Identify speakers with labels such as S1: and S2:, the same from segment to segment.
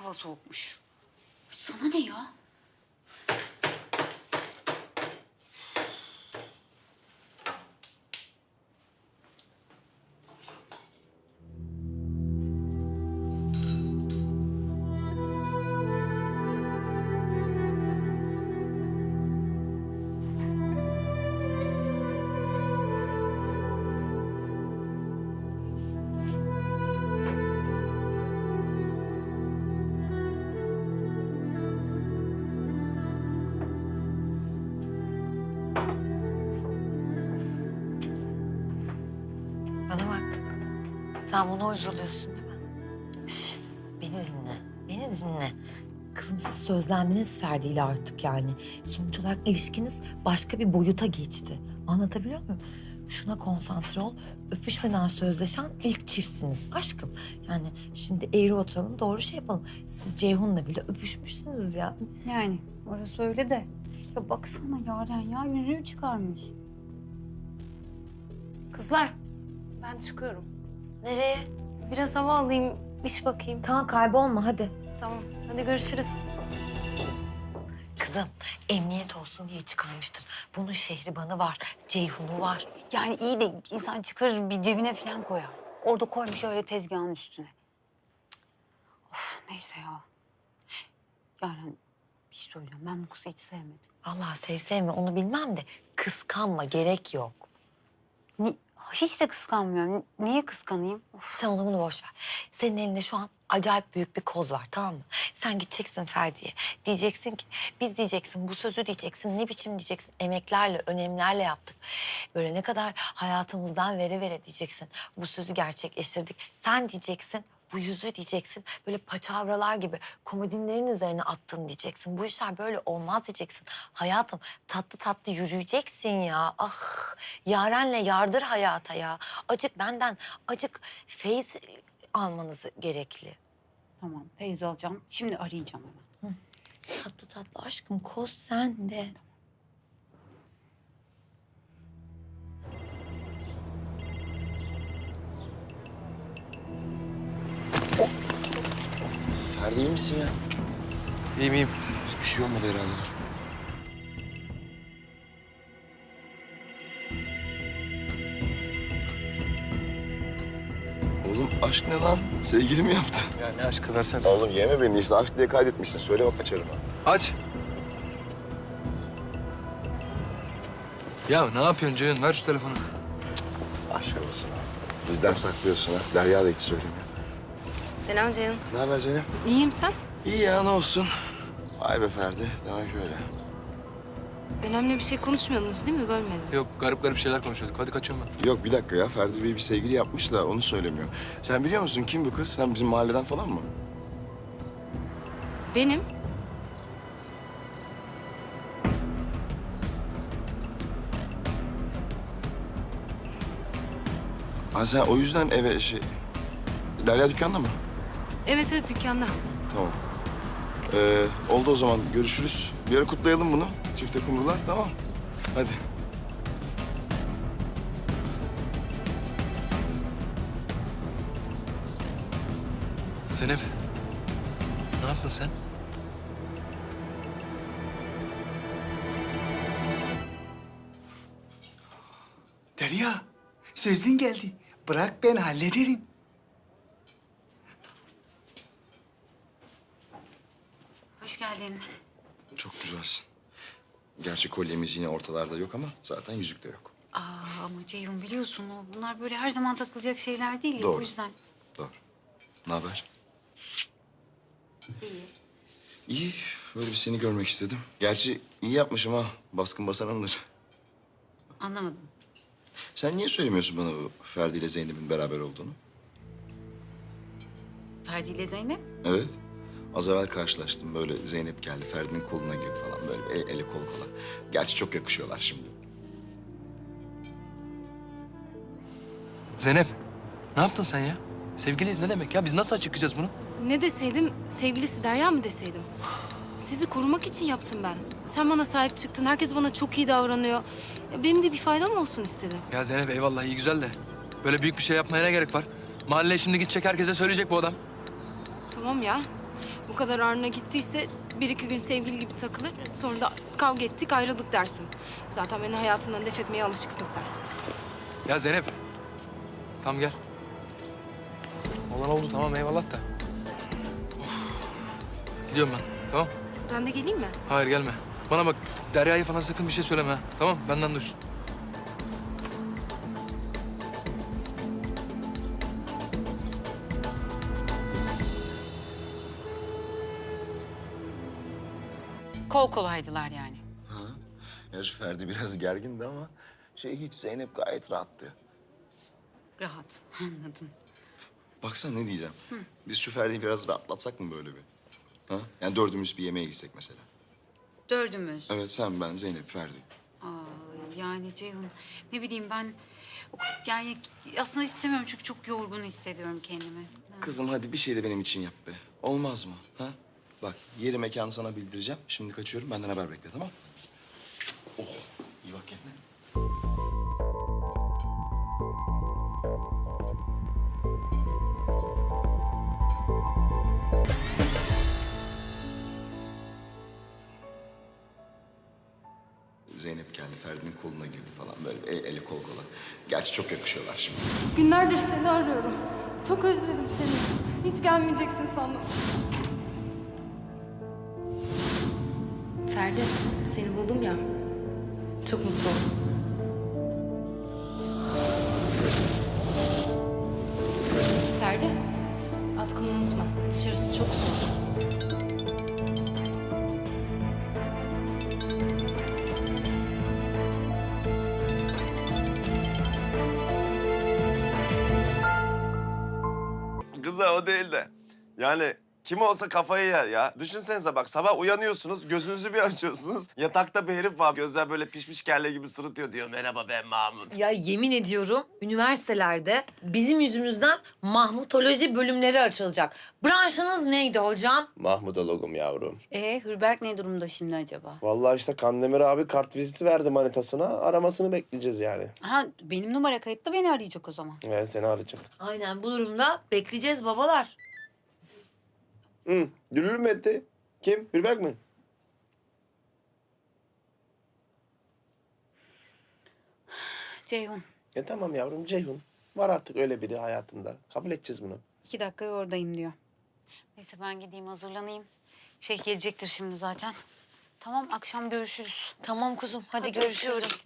S1: hava soğukmuş.
S2: Sana ne ya?
S3: Bana bak. Sen buna uyguluyorsun değil mi? Şş, beni dinle. Beni dinle. Kızım siz sözlendiniz Ferdi ile artık yani. Sonuç olarak ilişkiniz başka bir boyuta geçti. Anlatabiliyor muyum? Şuna konsantre ol. Öpüşmeden sözleşen ilk çiftsiniz aşkım. Yani şimdi eğri oturalım doğru şey yapalım. Siz Ceyhun'la bile öpüşmüşsünüz ya.
S2: Yani orası öyle de. Ya baksana Yaren ya yüzüğü çıkarmış.
S4: Kızlar, ben çıkıyorum.
S3: Nereye?
S4: Biraz hava alayım, iş bakayım.
S3: Tamam kaybolma hadi.
S4: Tamam, hadi görüşürüz.
S3: Kızım emniyet olsun diye çıkarmıştır. Bunun şehribanı var, Ceyhun'u var.
S1: Yani iyi de insan çıkarır bir cebine falan koyar. Orada koymuş öyle tezgahın üstüne. Of neyse ya. Yaren bir şey söyleyeceğim. Ben bu kızı hiç sevmedim.
S3: Vallahi sevme onu bilmem de kıskanma gerek yok.
S1: Hiç de kıskanmıyorum. Niye kıskanayım? Of.
S3: Sen onu bunu boş ver. Senin elinde şu an acayip büyük bir koz var tamam mı? Sen gideceksin Ferdi'ye. Diyeceksin ki biz diyeceksin bu sözü diyeceksin. Ne biçim diyeceksin emeklerle önemlerle yaptık. Böyle ne kadar hayatımızdan vere vere diyeceksin. Bu sözü gerçekleştirdik. Sen diyeceksin bu yüzü diyeceksin. Böyle paçavralar gibi komodinlerin üzerine attın diyeceksin. Bu işler böyle olmaz diyeceksin. Hayatım tatlı tatlı yürüyeceksin ya. Ah Yaren'le yardır hayata ya. Acık benden acık feyiz almanız gerekli.
S2: Tamam feyz alacağım. Şimdi arayacağım hemen.
S3: Tatlı tatlı aşkım koz sende.
S5: Ferdi iyi misin ya?
S6: İyiyim iyiyim.
S5: Bir şey olmadı herhalde. Dur. Oğlum aşk ne lan? Sevgili mi yaptı?
S6: Ya ne aşkı versene.
S5: Oğlum yeme beni işte aşk diye kaydetmişsin. Söyle bak açarım ha.
S6: Aç. Ya ne yapıyorsun Ceyhun? Ver şu telefonu.
S5: Aşk olsun ha. Bizden saklıyorsun ha. Derya da hiç söylemiyor.
S4: Selam Ceyhun.
S5: Ne haber Zeynep?
S4: İyiyim sen?
S5: İyi ya ne olsun. Vay be Ferdi. Demek öyle.
S4: Önemli bir şey konuşmuyordunuz değil mi? Bölmedim.
S6: Yok garip garip şeyler konuşuyorduk. Hadi kaçıyorum ben.
S5: Yok bir dakika ya. Ferdi Bey bir sevgili yapmış da onu söylemiyor. Sen biliyor musun kim bu kız? Sen bizim mahalleden falan mı?
S4: Benim?
S5: Ha sen o yüzden eve Derya dükkanda mı?
S4: Evet evet dükkanda.
S5: Tamam. Oldu o zaman. Görüşürüz. Bir ara kutlayalım bunu. Çifte kumrular. Tamam. Hadi.
S6: Zeynep. Ne yaptın sen?
S7: Derya, sözlün geldi. Bırak ben hallederim.
S2: Hoş geldin.
S5: Çok güzelsin. Gerçi kolyemiz yine ortalarda yok ama zaten yüzük de yok.
S2: Ama Ceyhun biliyorsun bunlar böyle her zaman takılacak şeyler değil ya
S5: Doğru.
S2: o yüzden.
S5: Doğru. Ne haber?
S2: İyi.
S5: İyi. Böyle bir seni görmek istedim. Gerçi iyi yapmışım ha. Baskın basan alınır.
S2: Anlamadım.
S5: Sen niye söylemiyorsun bana bu Ferdi ile Zeynep'in beraber olduğunu?
S2: Ferdi ile Zeynep.
S5: Evet. Az evvel karşılaştım. Böyle Zeynep geldi, Ferdi'nin koluna girdi falan. Böyle ele kol kola. Gerçi çok yakışıyorlar şimdi.
S6: Zeynep. Ne yaptın sen ya? Sevgiliyiz ne demek ya? Biz nasıl açıklayacağız bunu?
S4: Ne deseydim, sevgilisi Derya mı deseydim? Sizi korumak için yaptım ben. Sen bana sahip çıktın, herkes bana çok iyi davranıyor. Benim de bir faydam olsun istedim.
S6: Ya Zeynep eyvallah iyi güzel de. Böyle büyük bir şey yapmaya ne gerek var? Mahalleye şimdi gidecek herkese söyleyecek bu adam.
S4: Tamam ya. Bu kadar ağrına gittiyse bir iki gün sevgili gibi takılır. Sonra da kavga ettik ayrıldık dersin. Zaten beni hayatından def etmeye alışıksın sen.
S6: Ya Zeynep. Tamam gel. Olan oldu tamam eyvallah da. Of. Gidiyorum ben tamam.
S4: Ben de geleyim mi?
S6: Hayır gelme. Bana bak Derya'ya falan sakın bir şey söyleme ha. Tamam benden duysun.
S1: Kol kolaydılar yani.
S5: Gerçi Ferdi biraz gergindi ama hiç Zeynep gayet rahattı.
S1: Rahat. Anladım.
S5: Baksana ne diyeceğim. Biz şu Ferdi'yi biraz rahatlatsak mı böyle bir? Ha? Yani dördümüz bir yemeğe gitsek mesela.
S1: Dördümüz.
S5: Evet sen, ben, Zeynep, Ferdi.
S1: Yani Ceyhun ne bileyim ben yani aslında istemiyorum çünkü çok yorgun hissediyorum kendimi.
S5: Kızım hadi bir şey de benim için yap be. Olmaz mı? Ha? Bak yeri mekanı sana bildireceğim. Şimdi kaçıyorum benden haber bekle tamam? Oh iyi bak kendine. Zeynep geldi, Ferdi'nin koluna girdi falan böyle eli kol kola. Gerçi çok yakışıyorlar şimdi.
S4: Günlerdir seni arıyorum. Çok özledim seni. Hiç gelmeyeceksin sandım. Ferdi, seni buldum ya. Çok mutlu oldum. Ferdi, atkını unutma. Dışarısı çok soğuk.
S8: Kızlar o değil de. Yani kim olsa kafayı yer ya. Düşünsenize bak sabah uyanıyorsunuz, gözünüzü bir açıyorsunuz. Yatakta bir herif var, gözler böyle pişmiş kelle gibi sırıtıyor diyor. Merhaba ben Mahmut.
S3: Ya yemin ediyorum üniversitelerde bizim yüzümüzden Mahmutoloji bölümleri açılacak. Branşınız neydi hocam?
S9: Mahmudologum yavrum.
S1: Hürberk ne durumda şimdi acaba?
S9: Vallahi işte Kandemir abi kart viziti verdi manitasına. Aramasını bekleyeceğiz yani.
S1: Ha benim numara kayıtlı beni arayacak o zaman.
S9: Seni arayacak.
S3: Aynen bu durumda bekleyeceğiz babalar.
S9: Dürülü mü etti? Kim? Hürberk mi?
S1: Ceyhun
S9: Tamam yavrum Ceyhun. Var artık öyle biri hayatında. Kabul edeceğiz bunu.
S1: 2 dakikaya oradayım diyor. Neyse ben gideyim hazırlanayım. Gelecektir şimdi zaten. Tamam akşam görüşürüz.
S3: Tamam kuzum hadi görüşürüz.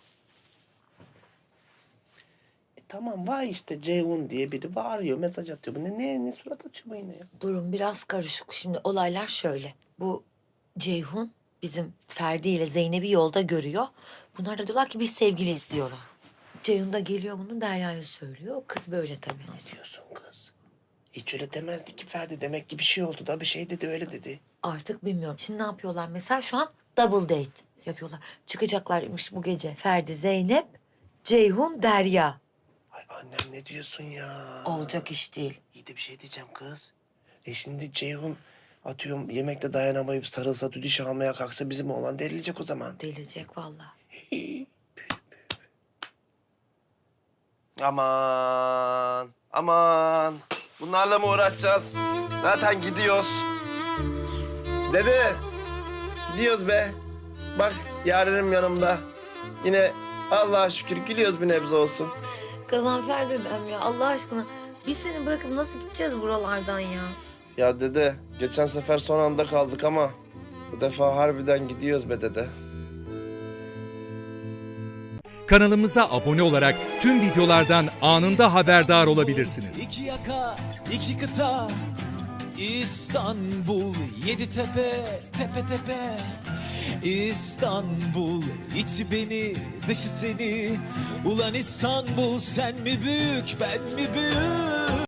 S9: Tamam var işte Ceyhun diye biri bağırıyor, mesaj atıyor. Bu ne surat açıyor bu yine ya?
S3: Durum biraz karışık. Şimdi olaylar şöyle. Bu Ceyhun bizim Ferdi ile Zeynep'i yolda görüyor. Bunlar da diyorlar ki biz sevgiliyiz diyorlar. Ceyhun da geliyor bunu Derya'ya söylüyor. Kız böyle tabii.
S9: Ne diyorsun kız? Hiç öyle demezdi ki Ferdi. Demek ki bir şey oldu da bir şey dedi öyle dedi.
S3: Artık bilmiyorum. Şimdi ne yapıyorlar mesela? Şu an double date yapıyorlar. Çıkacaklarmış bu gece. Ferdi, Zeynep, Ceyhun, Derya.
S9: Ay annem ne diyorsun ya?
S3: Olacak iş değil.
S9: İyi de bir şey diyeceğim kız. Şimdi Ceyhun atıyorum yemekte dayanamayıp sarılsa düdüş almaya kalksa bizim oğlan delilecek o zaman.
S3: Delirecek vallahi.
S8: Aman. Bunlarla mı uğraşacağız? Zaten gidiyoruz.
S9: Dede gidiyoruz be. Bak yarenim yanımda. Yine Allah'a şükür gülüyoruz bir nebze olsun.
S3: Gazanfer dedem ya Allah aşkına. Biz seni bırakıp nasıl gideceğiz buralardan ya?
S9: Ya dede geçen sefer son anda kaldık ama bu defa harbiden gidiyoruz be dede.
S10: Kanalımıza abone olarak tüm videolardan anında haberdar olabilirsiniz.
S11: İki yaka, iki kıta, İstanbul, yedi tepe, tepe tepe. İstanbul, içi beni, dışı seni. Ulan İstanbul, sen mi büyük, ben mi büyük?